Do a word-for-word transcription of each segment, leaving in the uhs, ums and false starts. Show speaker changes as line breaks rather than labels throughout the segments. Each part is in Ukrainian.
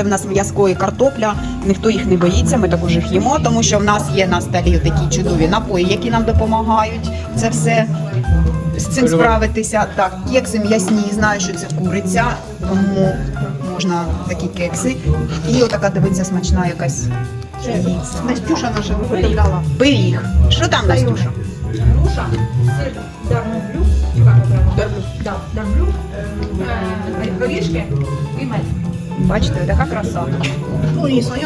нас м'язко і картопля, ніхто їх не боїться, ми також їх їмо, тому що в нас є на столі такі чудові напої, які нам допомагають це все з цим справитися. Так, кекси м'ясні, знаю, що це куриця, тому можна такі кекси. І отака, дивиться, смачна якась.
Настюша наша виготовляла.
Пиріг. Що там, Настюша?
Груша, сир, дармоблю, да, дармблю, е, горішки і мед.
Бачите, така краса.
Ну і своє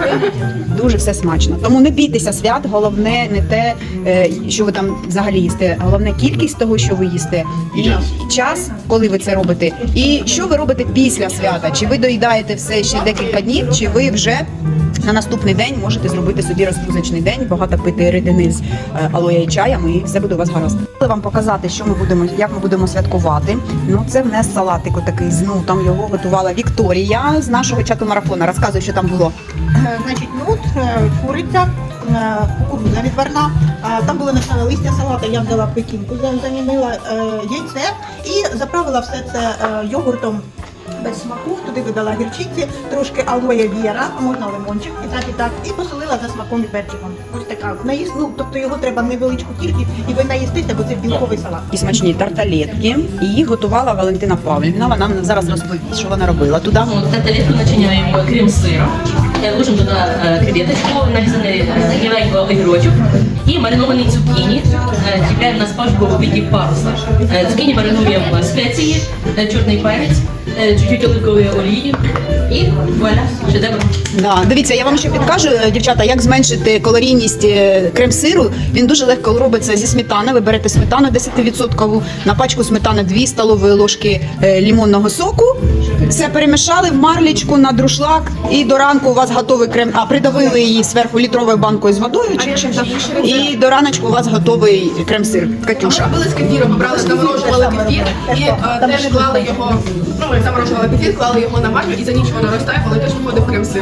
Дуже все смачно. Тому не бійтеся свят, головне не те, е, що ви там взагалі їсте, головне кількість того, що ви їсте, і час, коли ви це робите, і що ви робите після свята. Чи ви доїдаєте все ще декілька днів, чи ви вже на наступний день можете зробити собі розгрузочний день, багато пити рідини з е, алоє і чаєм, і все буде у вас гаразд. Хотіла вам показати, що ми будемо, як ми будемо святкувати. Ну, це в нас салатик такий з нутом, його готувала Вікторія з нашого чату марафону. Розказуй, що там було.
Значить, нут, е, куриця, е, кукурудза відварна. Е, Там були насали листя салата, я взяла пекінку, за- замінила е, яйце і заправила все це е, йогуртом без смаку. Туди додала гірчиці, трошки алоє віра, а можна лимончик, і так, і так, і посолила за смаком і перчиком. Ось така. Наїс, ну, тобто його треба невеличку кількість, і ви наїстите, бо це білковий салат.
І смачні тарталетки. І їх готувала Валентина Павлівна. Вона нам зараз розповість, що вона робила туди.
Тарталетку начиняємо крем-сиром, ложимо туди е, креветочку, нарізаний е, міленько огірочок і маринований цукіні. Е, Чіпляємо на спашку у виді паруса. Е, Цукіні маринуємо спеції, е, чорний перець, е, чуть-чуть оливкової олії і вуаля, шедевр.
Да, дивіться, я вам ще підкажу, дівчата, як зменшити калорійність е, крем-сиру. Він дуже легко робиться зі сметани. Ви берете сметану десять відсотків, на пачку сметани дві столові ложки е, лимонного соку. Все перемішали в марлічку на друшлак, і до ранку у вас готовий крем. А придавили її зверху літровою банкою з водою чи чим-то. І до раночку у вас готовий крем-сир. Катюша.
Робили з кефіром, брали, заморожували кефір і е, теж клали його, ну ми заморожували кефір, клали його на марлю і за ніч воно розтає, коли теж виходив крем-сир.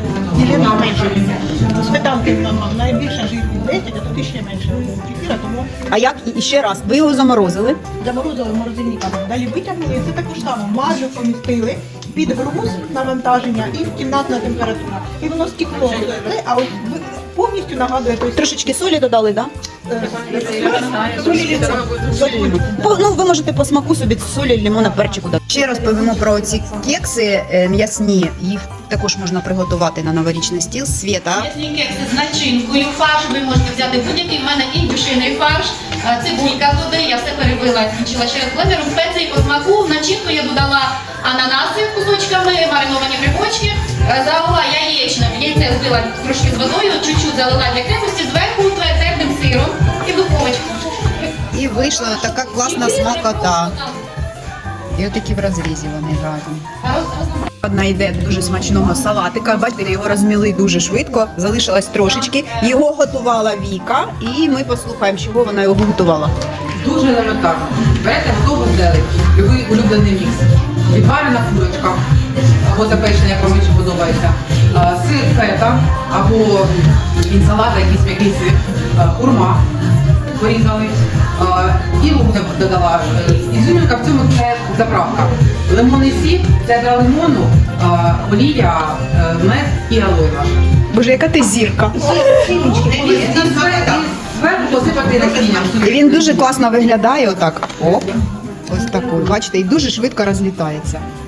Єлена менше. Сметанки нам найбільше жирні десять, а тут іще менше кефіра, тому
А як і ще раз? Ви його заморозили?
заморозили морозильниками. Далі витягнули, і це також само. Марлю помістили під груз навантаження і в кімнатна температура. І воно стекло, а от ви- повністю нагадує той
Трошечки солі додали, так?
солі.
По- Ну, ви можете по смаку собі солі, лимона, перчику дати. Ще розповімо про ці кекси е, м'ясні. Їх також можна приготувати на новорічний стіл. Свєта.
М'ясні кекси з начинкою, фарш ви можете взяти будь-який. В мене індюшиний фарш, е, цибулька туди, я все перебила, змочила ще раз блендером, спеції по смаку. В начинку я додала ананаси кусочками, мариновані грибочки, е, залила яєчним, яйце збила трошки з водою, чуть-чуть залила для крепості, зверху твердим сиром і в духовочку.
І вийшла така класна смакота. І отакі в розрізі вони разом. Одна йде дуже смачного салатика. Бачите, його розміли дуже швидко, залишилось трошечки. Його готувала Віка, і ми послухаємо, чого вона його готувала.
Дуже елементарно. Берете готову зелень, любий улюблений мікс. Відварена курочка, або запечена, як вам більше подобається. А, Сир фета, або інсалат, якийсь м'який сир, а, хурма порізали. А, І лук додала. Ізюмінка в цьому це заправка. Лимонний сік, цедра лимону, а, олія, е, мед і алоє наше.
Боже, яка ти зірка.
І зверху посипати насінням.
І він дуже класно виглядає отак. Оп. Ось такий, бачите, і дуже швидко розлітається.